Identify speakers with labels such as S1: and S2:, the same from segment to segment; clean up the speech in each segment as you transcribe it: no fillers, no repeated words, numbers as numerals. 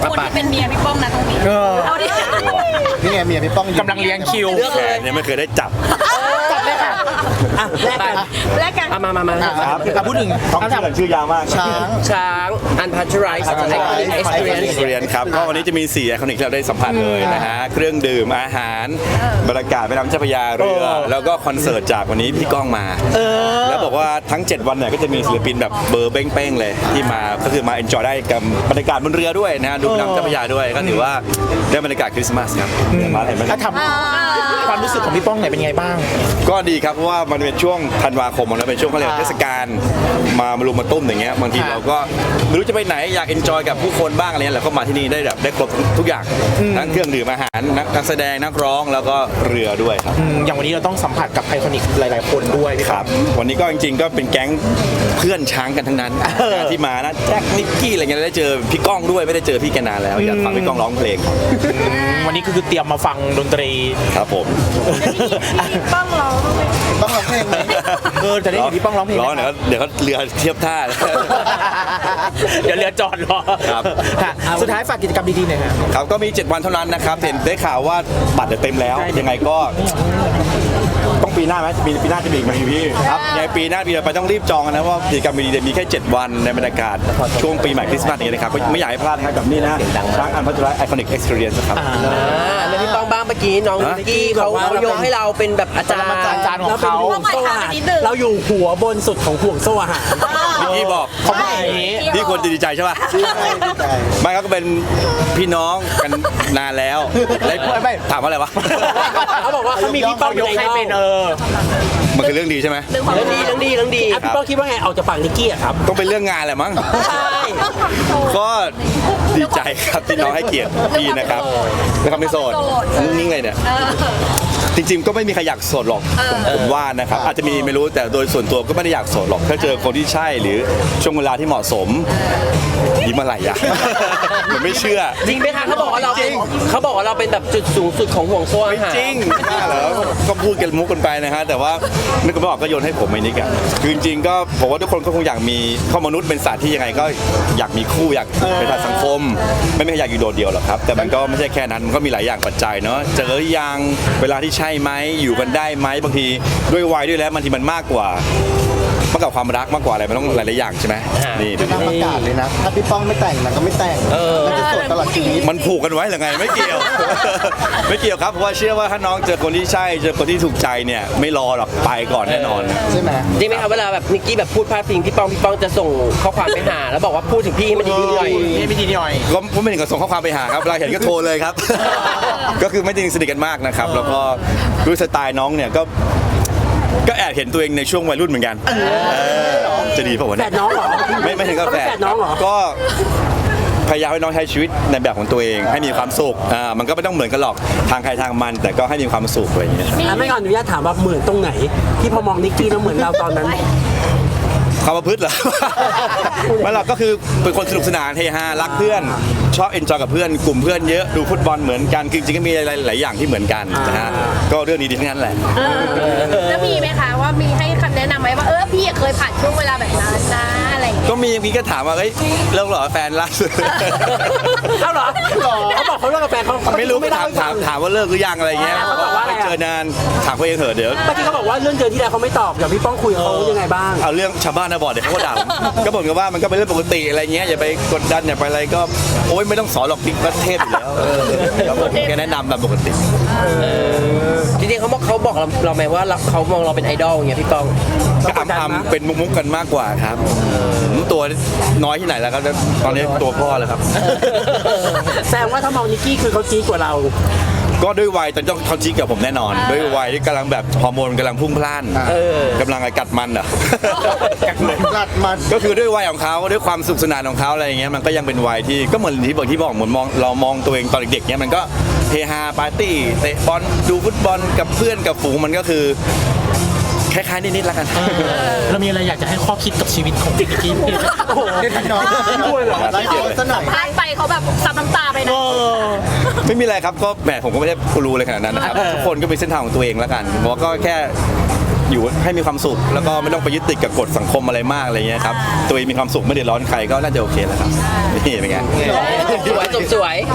S1: คนที่เป็นเมียพี่ป้องนะตรงนี้เอาดิ
S2: นี่ไงเมียพี่ป้อง
S3: กำลังเลี้ยงคิว
S4: แขนยังไม่เคยได้จับ
S3: จับเลยค่ะอ่ะแลกกัน
S1: แลกกัน
S3: มาพูดถึง
S4: ต้องชื่อยาวมาก
S3: ช้างอันพัชไรส์เอ็กซ์เพรียน
S4: เรียนครับก็วันนี้จะมี4ไอคอนิกที่เราได้สัมผัสเลยนะฮะเครื่องดื่มอาหารบรรยากาศแม่น้ำเจ้าพระยาเรือแล้วก็คอนเสิร์ตจากวันนี้พี่ก้องมาแล้วบอกว่าทั้ง7วันเนี่ยก็จะมีศิลปินแบบเบอร์เป้งๆเลยที่มาก็คือมาเอนจอยได้กับบรรยากาศบนเรือด้วยนะฮะดูแม่น้ำเจ้าพระยาด้วยก็ถือว่าได้บรรยากาศคริสต์มาสครับมาเห็นไหม
S3: ถ้าทำความรู้สึกของพี่ป้องไหนเป็นไงบ้าง
S4: ก็ดีครับเพราะว่ามันเป็นช่วงธันวาคมมันเป็นช่วงเขาเรียกเทศกาลมารุมมาตุ้มอย่างเงี้ยบางทีเราก็ไม่รู้จะไปไหนอยากเอนจอยกับผู้คนบ้างอะไรเงี้ยเราก็มาที่นี่ได้แบบได้ครบทุกอย่างทั้งเครื่องดื่มอาหารนักแสดงนักร้องแล้วก็เรือด้วยครับ
S3: อย่างวันนี้เราต้องสัมผัสกับไอคอนิกหลายๆคนด้วยพี่
S4: ครับวันนี้ก็จริงๆก็เป็นแก๊งเพื่อนช้างกันทั้งนั้นที่มานะแจ็คนิกกี้อะไรเงี้ยได้เจอพี่ก้องด้วยไม่ได้เจอพี่แกนานแล้วอยากฟังพี่ก้องร้องเพลง
S3: วันนี้คือเตรียมมาฟังดนตรี
S4: ครับผม
S1: ป้องร้องไหม
S2: ต้องร้องเพลงไหม
S3: จะได้เห็นพี่ป้องร้องเพลง
S4: ร้องเดี๋ยวเขาเรือเทียบท่า
S3: เดี๋ยวเรือจอดรอ
S4: ครับ
S3: ค่ะสุดท้ายฝากกิจกรรมดีๆหน่อยครับ
S4: ครับก็มี7วันเท่านั้นนะครับเห็นได้ข่าวว่าบัตรเต็มแล้วยังไงก็ต้องปีหน้าไหมปีหน้าจะมีอีกไหมพี่ครับในปีหน้าปีต่อไปต้องรีบจองกันนะว่ากิจกรรมดีๆมีแค่7วันในบรรยากาศช่วงปีใหม่คริสต์มาสนี้นะครับก็ไม่อยากให้พลาดนะครับกับนี่นะช้างอันพัชรไอคอนิกเอ็กซ์เพรียนส์ครับ
S5: แล้วพี่ป้องบ้างเมื่อกี้น้องนิกกี้เขาโยงให้เราเป็นแบบอาจารย์
S3: อาจารย์ของเขา
S5: ห่วงโซ่อาหารเราอยู่หัวบนสุดของห่วงโซ่อาหาร
S4: พี่บอก
S3: เขาบอกอย่างนี้
S4: พี่ควรจะดีใจใช่ป่ะ
S2: ดีใจ
S4: ไม่ครับก็เป็นพี่น้องกันนานแล้วแล้วถามว่าอะไรวะ
S5: เขาบอกว่าเขามีพี่ป้อง
S3: ยกให้เป็น
S4: มันคือเรื่องดีใช่ไหม
S5: เรื่องดีพี่ป้องคิดว่าไงออกจากปากนิกกี้อะครับ
S4: ต้องเป็นเรื่องงานแหละมั้ง
S5: ใช่
S4: ก็ดีใจครับที่น้องให้เกียรติพี่นะครับนะครับไม่โสดนิ่งๆเลยเนี่ยจริงๆก็ไม่มีใครอยากโสดหรอกผมว่านะครับอาจจะมีไม่รู้แต่โดยส่วนตัวก็ไม่ได้อยากโสดหรอกถ้าเจอคนที่ใช่หรือช่วงเวลาที่เหมาะสมยิ้มอะไรอ่ะ มันไม่เชื่อ
S5: จริงไหมคะเขาบอกว่าเราเป็นแบบจุดสูงสุดของห่วงโซ่อา
S4: ไม่
S5: หาร
S4: จริงเหรอก็พูดกันมุกกันไปนะฮะแต่ว่านึกไม่ออกก็โยนให้ผมไอ้นี่กันคือจริงๆก็ผมว่าทุกคนก็คงอยากมีข้อมนุษย์เป็นสัตว์ที่ยังไงก็อยากมีคู่อยากเป็นสัตว์สังคมไม่มีใครอยากอยู่โดดเดี่ยวหรอกครับแต่มันก็ไม่ใช่แค่นั้นมันก็มีหลายอย่างปัจจัยเนาะเจอหรือยังเวลาที่ใช่ไหมอยู่กันได้ไหมบางทีด้วยวัยด้วยแล้วบางทีมันมากกว่าความรักมากกว่าอะไรมันต้องหลายๆอย่างใช่ไหมนี่ดู
S2: เป็นประกาศเลยนะ ถ้าพี่ป้องไม่แต่งมันก็ไม่แต่งมันจะโสดตลอดชีวิต
S4: มันผูกกันไว้หรือไงไม่เกี่ยว ไม่เกี่ยวครับเพราะว่าเชื่อว่าถ้าน้องเจอคนที่ใช่เจอคนที่ถูกใจเนี่ยไม่รอหรอกไปก่อนแน่นอน
S2: ใช่ไหม
S5: จริงไหมครับเวลาแบบนิกกี้แบบพูดพาดพิงพี่ป้องจะส่งข้อความไปหาแล้วบอกว่าพูดถึงพี่ให้มันดีๆหน่อย
S3: นี่ไม่ดีหน่อย
S4: ก็ไม่ถึงกับส่งข้อความไปหาครับเวลาเห็นก็โทรเลยครับ ก็คือไม่ได้สนิทกันมากนะครับแล้วก็ด้วยสไตล์น้องเนี่ยก็แอบเห็นตัวเองในช่วงวัยรุ่นเหมือนกันจะดีเปล่าวะ
S5: แฝ
S4: เนี่ย
S5: ดน้องเหรอ
S4: ไม่ถึงกับแฝด
S5: แฝดน้องเหรอ
S4: ก็พยายามให้น้องใช้ชีวิตในแบบของตัวเองให้มีความสุขมันก็ไม่ต้องเหมือนกันหรอกทางใครทางมัน แต่ก็ให้มีความสุขอะไรอย่างเงี้ย
S5: ไม่ก่อนอนุญาตถามว่าเหมือนตรงไหน ที่พอมองนิกกี้แล้วเหมือนเราตอนนั้น
S4: ความประพฤติเหรอ ไม่หรอกก็คือเป็นคนสนุกสนานเฮฮารักเพื่อนชอบเอนจอยกับเพื่อนกลุ่มเพื่อนเยอะดูฟุตบอลเหมือนกันคือจริงๆก็มีหลายอย่างที่เหมือนกันนะฮะก็เรื่องดีๆทั้งนั้นแหละ
S1: แล้วมีไหมคะว่ามีให้คำแนะนำไหมว่าพี่เคยผ่านช่วงเวลาแบบนั้นนะอะไรอย่างเงี้ย
S4: ก็มีก็ถามว่าเฮ้ยเลิกเหรอแฟนล่าสุด
S5: เอ้าเหรอเขาบอกเขาเลิกกับแฟนเขา
S4: ไม่รู้
S5: ไม่ได้
S4: ถามว่าเลิกหรือยังอะไรเงี้ย
S5: เขาบอกว่าอะไร
S4: ไม่เจอนานถามเขาเองเถอะเดี๋ยว
S5: เมื่อกี้เขาบอกว่าเรื่องเจอที่แล้วเขาไม่ตอบเดี๋ยวพี่ป้องคุยกับเขายังไงบ้าง
S4: เอาเรื่องชาวบ้านนะบอกเดี๋ยวเขาก็ด่าผมก็บอกกันว่ามันก็เป็นเรื่องปกติอะไรเงี้ยอย่าไปกดดันอย่าไปอะไรก็โอ๊ยไม่ต้องสอนหรอกติ๊กประเทศอยู่แล้วครับผมแค่แนะนำตามปกติ
S5: จริงๆเขาบอกเราไหมว่าเขามองเราเป็นไอดอลอย่างเงี้ยพี่ป้อง
S4: ก็ทำเป็นมุกๆกันมากกว่าครับตัวน้อยที่ไหนแล้วก็ตอนนี้ตัวพ่อเลยครับ
S5: แสดงว่าถ้ามองนิกกี้คือเขาจี๊ดกว่าเรา
S4: ก็ด้วยวัยตอนต้องเขาจิ๊กกับผมแน่นอน ด้วยวัยที่กำลังแบบฮอร์โมนกำลังพุ่งพล่านกำลังกัดมันอ่ะ
S2: กัดมัน
S4: ก็คือด้วยวัยของเขาด้วยความสุขสนานของเขาอะไรอย่างเงี้ยมันก็ยังเป็นวัยที่ก็เหมือนที่บอกเหมือนเรามองตัวเองตอนเด็กๆเนี้ยมันก็เฮฮาปาร์ตี้เตะบอลดูฟุตบอลกับเพื่อนกับฝูงมันก็คือคล้ายๆนิดๆแล้วกัน
S3: เรามีอะไรอยากจะให้ข้อคิดกับชีวิตของนิกกี้
S2: โอ้โหเด็กน้อยด้วยเหรอไลฟ์โพสต์ซะหน่อย
S1: พลาดไปเขาแบบซับน้ำตาไปนะ
S4: ไม่มีอะไรครับก็แหมผมก็ไม่ได้รู้เลยขนาดนั้นนะครับทุกคนก็มีเส้นทางของตัวเองแล้วกันผมก็แค่อยู่ให้มีความสุขแล้วก็ไม่ต้องไปยึดติดกับกฎสังคมอะไรมากอะไรเงี้ยครับตัวเองมีความสุขไม่เดือดร้อนใครก็น่าจะโอเคแล้วครับนี่เป็นไง
S5: สวย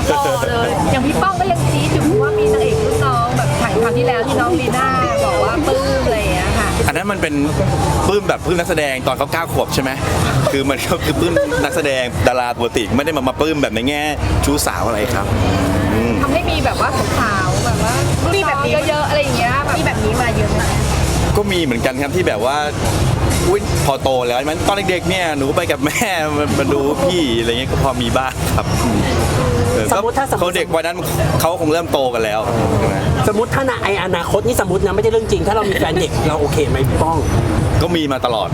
S1: เลยอย่างพี่ป้องก็ยังชี้ถึงว่ามีนางเอกรุ่นน้องแบบถ่ายคราวที่แล้วที่น้องลีน่าบอกว่าปลื้มอะไรอย่างเงี้ยค่ะ
S4: อันนั้นมันเป็นปลื้มแบบปลื้มนักแสดงตอนเขา9 ขวบใช่ไหมคือมันก็คือปลื้มนักแสดงดาราปกติไม่ได้มาปลื้มแบบในแง่ชู้สาวอะไรครับ
S1: ทำให้มีแบบว่าสาวๆแบบว่ามีแบบนี้เยอะๆอะไรอย่างเงี้ยมีแบบนี้มาเยอะไหม
S4: ก็มีเหมือนกันครับที่แบบว่าอุ๊ยพอโตแล้วมันตอนเด็กๆเนี่ยหนูไปกับแม่มาดูพี่อะไรเงี้ยก็พอมีบ้างครับ
S6: สมมติถ้า
S4: เขาเด็กวัยนั้นเขาคงเริ่มโตกันแล้วใช่ไหม
S6: สมมติถ้าในอนาคตนี่สมมตินะไม่ใช่เรื่องจริง ถ้าเรามีแฟนเด็กเราโอเคไหมพี่ป้อง
S4: ก็มีมาตลอด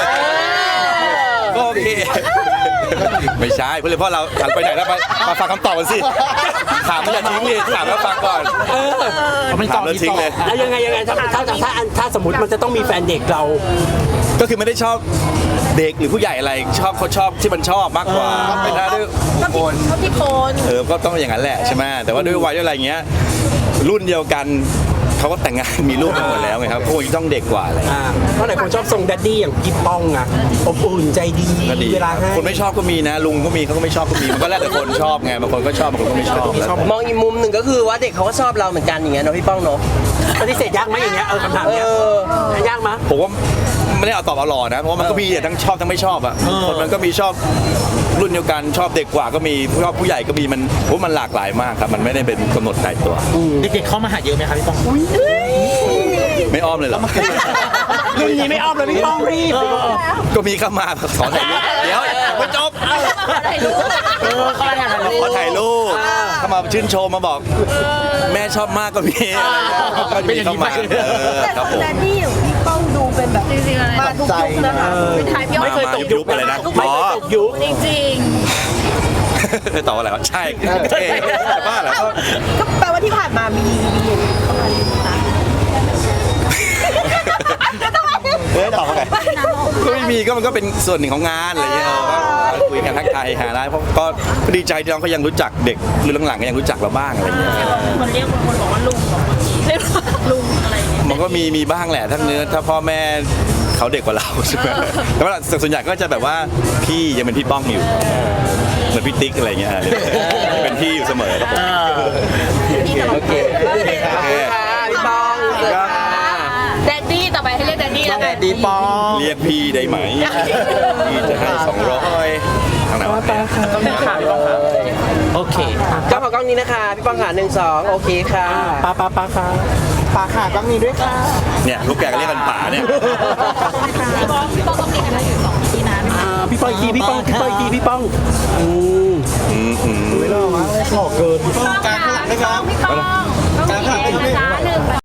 S4: ก็โอเคไม่ใช่เพื่อนเพราะเราหันไปไหนแล้วมาฟังคำตอบกันสิถามไม่อย่าทิ้งเลยถามแล้วฟังก่อนถามแล้วทิ้งเลย
S6: แล้วยังไงถ้าสมมติมันจะต้องมีแฟนเด็กเรา
S4: ก็คือไม่ได้ชอบเด็กหรือผู้ใหญ่อะไรเขาชอบที่มันชอบมากกว่าเป็นถ้าด้วยคน
S1: ชอบที่โคน
S4: ก็ต้องอย่างนั้นแหละใช่ไหมแต่ว่าด้วยวัยด้วยอะไรเงี้ยรุ่นเดียวกันเขาก็แต่งงานมีลูกกันหมดแล้วไงครับพวกนี้ต้องเด็กกว่าอะไร
S6: เพราะหลายคนชอบทรงแดดดี้อย่างพี่ป้องอะอบอุ่นใจดี
S4: ก็ดี
S6: เวลาให้
S4: คนไม่ชอบก็มีนะลุงก็มีเขาก็ไม่ชอบก็มีมันก็แล้วแต่คนชอบไงบางคนก็ชอบบางคนก็ไม่ชอบแล้วแต่
S5: มองอีกมุมหนึ่งก็คือว่าเด็กเขาก็ชอบเราเหมือนกันอย่างเงี้ยเนาะพี่ป้องเนาะ
S6: ปฏิเสธยากไหมอย่างเงี้ยคำถามเนี้ยยากไหม
S4: ผมว่าไม่ได้เอาตอบเอาหล่อนะเพราะว่ามันก็มีทั้งชอบทั้งไม่ชอบอ่ะคนมันก็มีชอบรุ่นเดียวกันชอบเด็กกว่าก็มีชอบผู้ใหญ่ก็มีมันผมว่ามันหลากหลายมากครับมันไม่ได้เป็นกำหนดตายตัว
S7: เด็กๆเข้ามาหาเยอะไหมครับพี่ป้อง
S4: ไม่อ้อมเลยเหรอ
S6: รุ่นนี้ไม่อ้อมเลยพี่ป้องรีบ
S4: ก็มีเข้ามาขอถ่ายรูปเดี๋ยวไม่จบ
S1: ถ่ายรูป
S4: ขอถ่ายรูปเข้ามาชื่นชมมาบอกแม่ชอบมากก็มีก็มีเข้ามาครับผม
S1: แต่นี่อย่างพี่ป้องดูเป็นแบบจริงๆมาทุกยุคนะคะเป็นไทยพี่
S6: ไม่เคยตกยุค
S4: อะไรนะ
S6: ไม่เคยตกยุค
S1: จริง
S4: ตอบอะไรวะใช่เท่แต่บ้าเหรอ
S1: ๆก็แปลว่าที่ผ่านมามีเข้ามาเลยนะ
S2: ตอบว่าไง
S4: ก็ไม่มีก็มันก็เป็นส่วนหนึ่งของงานอะไรเงี้ยก็คุยกันทักทายหาได้เพราะก็ดีใจที่น้องเขายังรู้จักเด็กรุ่นหลังๆก็ยังรู้จักเราบ้างอะไรเงี้ย
S7: มันเรียกคนบอกว่าลุงของคนนี้ลุงอะไรอย่างเงี้ย
S4: มันก็มีบ้างแหละถ้าพ่อแม่เขาเด็กกว่าเราใช่ไหมแต่ว่าส่วนใหญ่ก็จะแบบว่าพี่ยังเป็นพี่ป้องอยู่เหมือนพี่ติ๊กอะไรเงี้ยเป็นพี่อยู่เสมอครับผม
S5: โอเคค่ะพี่ป้องครับ
S1: แดดดี้ต่อไปให้เรียกแดดดี้แล้วกัน
S2: ดีปอง
S4: เรียกพี่ได้ไหมพี่จะให้200ทางไหนวะ
S7: ต้องมีข่าวพี่ป้องค่ะโอเค
S5: ก็ขอกล้องนี้นะคะพี่ป้องค่ะ1 2โอเคค่ะ
S6: ปาค่ะ
S2: ปาขาต้องมีด้วยค่ะ
S4: เนี่ยลูกแกก็เรียกกันป๋าเนี่ย
S1: พี่ป้องต้องมีกันอยู่2ที่นะ
S6: พี่ป้องอีกทีพี่ป้องพี่ป้อง
S2: ไม่รอดวะหล่อเกินพี่ป้องการข้างหลังนะครับ
S1: พี่ป้อง